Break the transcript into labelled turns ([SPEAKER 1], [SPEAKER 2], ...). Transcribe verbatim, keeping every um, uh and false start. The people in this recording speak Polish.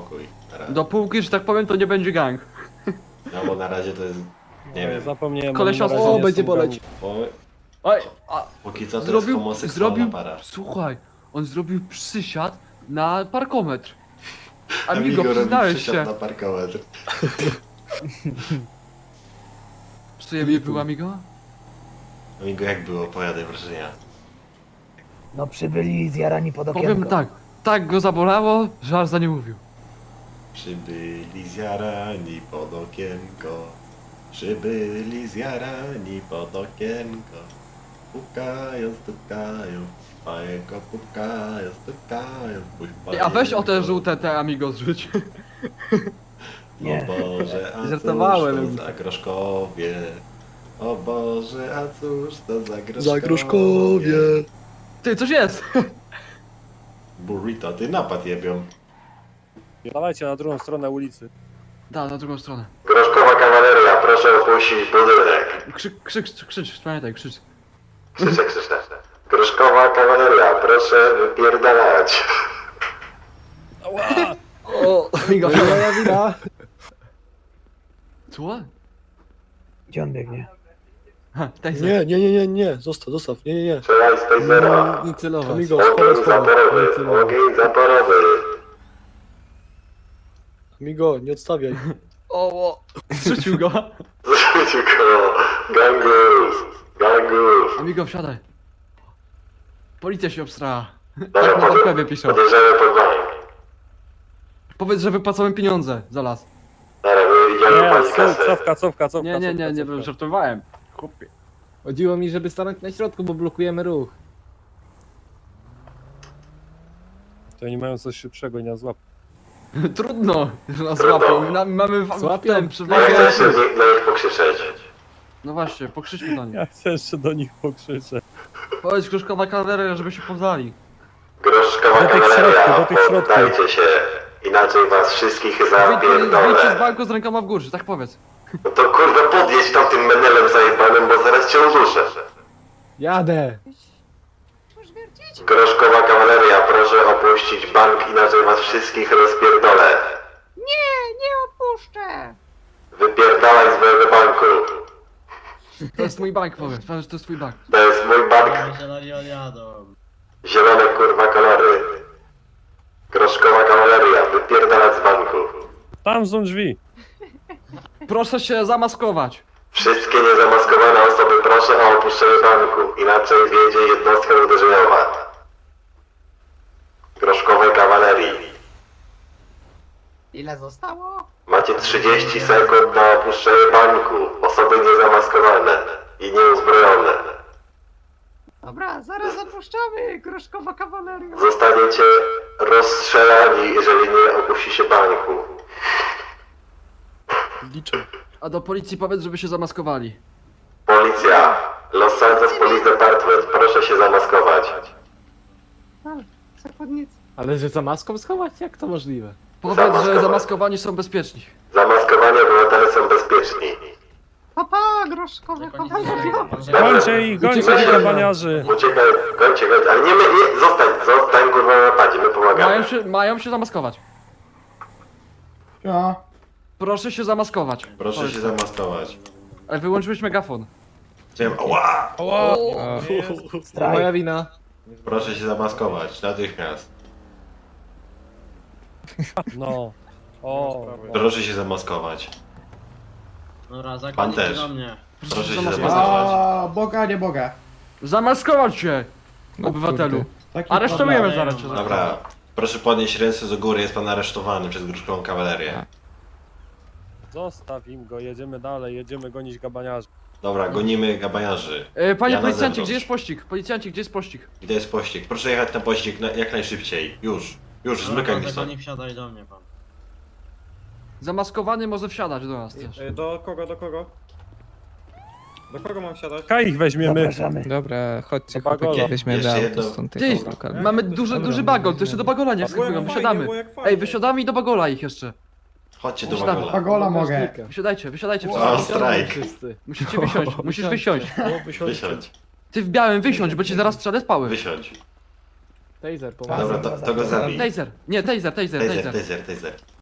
[SPEAKER 1] spokój. Na razie.
[SPEAKER 2] Dopóki, że tak powiem, to nie będzie gang.
[SPEAKER 1] No bo na razie to jest... Nie wiem.
[SPEAKER 3] Zapomniałem.
[SPEAKER 2] Kolesiostwo.
[SPEAKER 3] na razie
[SPEAKER 2] O,
[SPEAKER 3] nie
[SPEAKER 4] będzie
[SPEAKER 3] są
[SPEAKER 4] boleć.
[SPEAKER 1] Bo
[SPEAKER 2] Oj, a
[SPEAKER 1] póki co to
[SPEAKER 2] zrobił,
[SPEAKER 1] jest homoseksualna
[SPEAKER 2] zrobił,
[SPEAKER 1] para.
[SPEAKER 2] słuchaj, on zrobił przysiad na parkometr.
[SPEAKER 1] Amigo
[SPEAKER 2] Amigo,
[SPEAKER 1] robi
[SPEAKER 2] przyznałeś
[SPEAKER 1] przysiad
[SPEAKER 2] się.
[SPEAKER 1] na parkometr.
[SPEAKER 2] Przyjemnie było, Amigo?
[SPEAKER 1] Amigo, jak było? Opowiadaj wrażenia.
[SPEAKER 5] No przybyli zjarani pod okienko.
[SPEAKER 2] Powiem tak, tak go zabolało, że aż za nie mówił.
[SPEAKER 1] Przybyli zjarani pod okienko. Przybyli zjarani pod okienko. Pukają, stukają. Pajeko pukają, stukają. Puść
[SPEAKER 2] A weź o te
[SPEAKER 1] pajeko.
[SPEAKER 2] żółte te Amigo zrzuć.
[SPEAKER 5] Nie.
[SPEAKER 1] O Boże, a
[SPEAKER 2] Żartowałem.
[SPEAKER 1] cóż to za groszkowie? O Boże, a cóż to za groszkowie?
[SPEAKER 4] Za gruszkowie.
[SPEAKER 2] Ty, coś jest!
[SPEAKER 1] Burrito, ty napad jebią.
[SPEAKER 3] Dawajcie na drugą stronę ulicy.
[SPEAKER 2] Da, na drugą stronę.
[SPEAKER 1] Groszkowa kawaleria, proszę opuścić budynek.
[SPEAKER 2] Krzyk, krzyk, krzyk, krzycz, pamiętaj, krzycz.
[SPEAKER 1] Krzyczę, krzyczę. Groszkowa kawaleria, proszę wypierdalać.
[SPEAKER 3] Ała!
[SPEAKER 2] O, Amigo,
[SPEAKER 4] Moja wina.
[SPEAKER 2] co?
[SPEAKER 5] Gdzie on biegnie?
[SPEAKER 2] Ha, Taser.
[SPEAKER 4] Nie, nie, nie, nie, nie. Zostaw, zostaw. Nie, nie, nie.
[SPEAKER 1] Strzelaj z tasera.
[SPEAKER 4] Nie celować. Amigo,
[SPEAKER 1] Ogień
[SPEAKER 4] schowaj, schowaj.
[SPEAKER 1] zaporowy, ogień zaporowy.
[SPEAKER 4] Amigo, nie odstawiaj.
[SPEAKER 2] O, o, zrzucił go.
[SPEAKER 1] Zrzucił go. Gangus, gangus.
[SPEAKER 2] Amigo, wsiadaj. Policja się obstrała.
[SPEAKER 1] Dobra,
[SPEAKER 2] Tak na
[SPEAKER 1] pode-
[SPEAKER 2] webie piszą.
[SPEAKER 1] podejrzewamy pod bank.
[SPEAKER 2] Powiedz, że wypłacamy pieniądze za las.
[SPEAKER 1] Dobra, my idziemy
[SPEAKER 3] Nie,
[SPEAKER 1] pani
[SPEAKER 3] ców,
[SPEAKER 1] kasę.
[SPEAKER 3] cofka, cofka, cofka.
[SPEAKER 2] Nie, nie, nie,
[SPEAKER 3] cofka,
[SPEAKER 2] nie,
[SPEAKER 3] cofka.
[SPEAKER 2] żartowałem. Chłopie.
[SPEAKER 4] Chodziło mi, żeby stanąć na środku, bo blokujemy ruch.
[SPEAKER 3] To oni mają coś szybszego i nas złap.
[SPEAKER 2] Trudno, że nas łapią. Na, mamy w, w
[SPEAKER 4] Złapią.
[SPEAKER 2] tym
[SPEAKER 1] Ja
[SPEAKER 2] przewagę.
[SPEAKER 1] chcę się na nich pokrzyczeć.
[SPEAKER 2] No właśnie, pokrzyczmy do nich.
[SPEAKER 3] Ja chcę jeszcze do nich pokrzyczeć.
[SPEAKER 2] Powiedz Kruszkowa kawaleria, żeby się poznali.
[SPEAKER 1] Groszkowa
[SPEAKER 3] Do tych
[SPEAKER 1] kawaleria,
[SPEAKER 3] środków, do tych środków.
[SPEAKER 1] poddajcie się. Inaczej was wszystkich
[SPEAKER 2] Wyjdź, wyjdźcie z
[SPEAKER 1] zapierdolę.
[SPEAKER 2] banku z rękoma w górze, tak powiedz.
[SPEAKER 1] No to kurwa podjedź tam tym menelem zajebanym, bo zaraz cię uduszę.
[SPEAKER 4] Jadę.
[SPEAKER 1] Groszkowa kawaleria, proszę opuścić bank, inaczej was wszystkich rozpierdolę.
[SPEAKER 6] Nie, nie opuszczę!
[SPEAKER 1] Wypierdalaj z mojego banku.
[SPEAKER 2] To jest mój bank, powiedz. Powiedz, że to jest twój bank.
[SPEAKER 1] To jest mój bank.
[SPEAKER 7] Zieloni odjadą.
[SPEAKER 1] Zielone kurwa kolory. Groszkowa kawaleria, wypierdalać z banku.
[SPEAKER 3] Tam są drzwi.
[SPEAKER 2] Proszę się zamaskować.
[SPEAKER 1] Wszystkie niezamaskowane osoby proszę o opuszczenie banku, inaczej wjedzie jednostka uderzeniowa. Groszkowej kawalerii.
[SPEAKER 6] Ile zostało?
[SPEAKER 1] Macie trzydzieści sekund na opuszczenie banku. Osoby niezamaskowane i nieuzbrojone.
[SPEAKER 6] Dobra, zaraz opuszczamy, Gruszkowa kawaleria.
[SPEAKER 1] Zostaniecie rozstrzelani, jeżeli nie opuścicie banku.
[SPEAKER 4] Liczę.
[SPEAKER 2] A do policji powiedz, żeby się zamaskowali.
[SPEAKER 1] Policja, Los Santos Police Department, proszę się zamaskować.
[SPEAKER 6] Zakładnicy.
[SPEAKER 4] Ale że za maską schować? Jak to możliwe?
[SPEAKER 2] Powiedz, że
[SPEAKER 1] Zamaskowani.
[SPEAKER 2] zamaskowani są bezpieczni.
[SPEAKER 1] Zamaskowani obywatele są bezpieczni.
[SPEAKER 6] Papa, Gruszkowa kawaleria.
[SPEAKER 3] Gońcie ich, gońcie ich, kabaniarzy.
[SPEAKER 1] Uciekaj, kończę, kończę, ale nie, my, nie, zostań, zostań kurwa na napadzie, my pomagamy.
[SPEAKER 2] Mają się, mają się zamaskować.
[SPEAKER 6] Ja.
[SPEAKER 2] Proszę się zamaskować.
[SPEAKER 1] Proszę
[SPEAKER 2] Powiedz
[SPEAKER 1] się
[SPEAKER 2] tak.
[SPEAKER 1] zamaskować.
[SPEAKER 2] Ale wyłączyłeś megafon.
[SPEAKER 1] Chciałem, ała!
[SPEAKER 3] Ała!
[SPEAKER 5] Strajk.
[SPEAKER 4] Moja wina.
[SPEAKER 1] Proszę się zamaskować, natychmiast.
[SPEAKER 3] No. O.
[SPEAKER 1] Proszę się zamaskować.
[SPEAKER 7] Dobra,
[SPEAKER 1] Pan
[SPEAKER 7] zakładnicy
[SPEAKER 1] też.
[SPEAKER 7] do mnie.
[SPEAKER 1] Proszę się
[SPEAKER 2] Zamaskować.
[SPEAKER 1] zamaskować.
[SPEAKER 8] A, Boga, nie Boga.
[SPEAKER 2] Zamaskować się! Obywatelu.
[SPEAKER 8] Taki
[SPEAKER 2] Aresztujemy
[SPEAKER 8] problem.
[SPEAKER 2] zaraz cię.
[SPEAKER 1] Dobra, proszę podnieść ręce do góry, jest pan aresztowany przez Gruszkową kawalerię.
[SPEAKER 3] Zostaw im go, jedziemy dalej, jedziemy gonić kabaniarzy.
[SPEAKER 1] Dobra, gonimy gabaniarzy.
[SPEAKER 2] E, Panie
[SPEAKER 1] Ja na
[SPEAKER 2] policjancie,
[SPEAKER 1] zewnątrz.
[SPEAKER 2] gdzie jest pościg? Policjancie, gdzie jest pościg?
[SPEAKER 1] Gdzie jest pościg? Proszę jechać na pościg na, jak najszybciej. Już, już,
[SPEAKER 7] Dobra,
[SPEAKER 1] zmykaj
[SPEAKER 7] pan
[SPEAKER 1] mi stąd.
[SPEAKER 7] zakonik, wsiadaj do mnie pan.
[SPEAKER 2] Zamaskowany może wsiadać do nas też.
[SPEAKER 8] Do kogo, do kogo? Do kogo mam siadać?
[SPEAKER 3] Kaj ich weźmiemy.
[SPEAKER 5] Zapraszamy.
[SPEAKER 9] Dobra, chodźcie
[SPEAKER 3] Do Bagola.
[SPEAKER 9] chłopaki, weźmiemy
[SPEAKER 1] Jeszcze
[SPEAKER 9] auto
[SPEAKER 1] jedno-
[SPEAKER 9] stąd
[SPEAKER 2] Ty,
[SPEAKER 9] tego lokalnego.
[SPEAKER 2] mamy duży, duży bagol, to jeszcze do bagola nie wskakują, wysiadamy. Ej, wysiadamy i do bagola ich jeszcze.
[SPEAKER 1] Chodźcie do
[SPEAKER 2] Wysiadamy.
[SPEAKER 1] Wagola.
[SPEAKER 8] Pagola mogę.
[SPEAKER 2] Wysiadajcie, wysiadajcie
[SPEAKER 1] O,
[SPEAKER 2] wszyscy.
[SPEAKER 1] strajk.
[SPEAKER 2] Musicie wysiąść, musisz wysiąść.
[SPEAKER 1] Wysiądź,
[SPEAKER 2] Ty w białym wysiądź, bo ci zaraz strzelę z pały.
[SPEAKER 1] wysiądź.
[SPEAKER 4] Taser,
[SPEAKER 1] Dobra, to, to go zabij.
[SPEAKER 2] Taser, nie, taser, taser,
[SPEAKER 1] Taser,
[SPEAKER 2] taser.
[SPEAKER 1] taser, taser.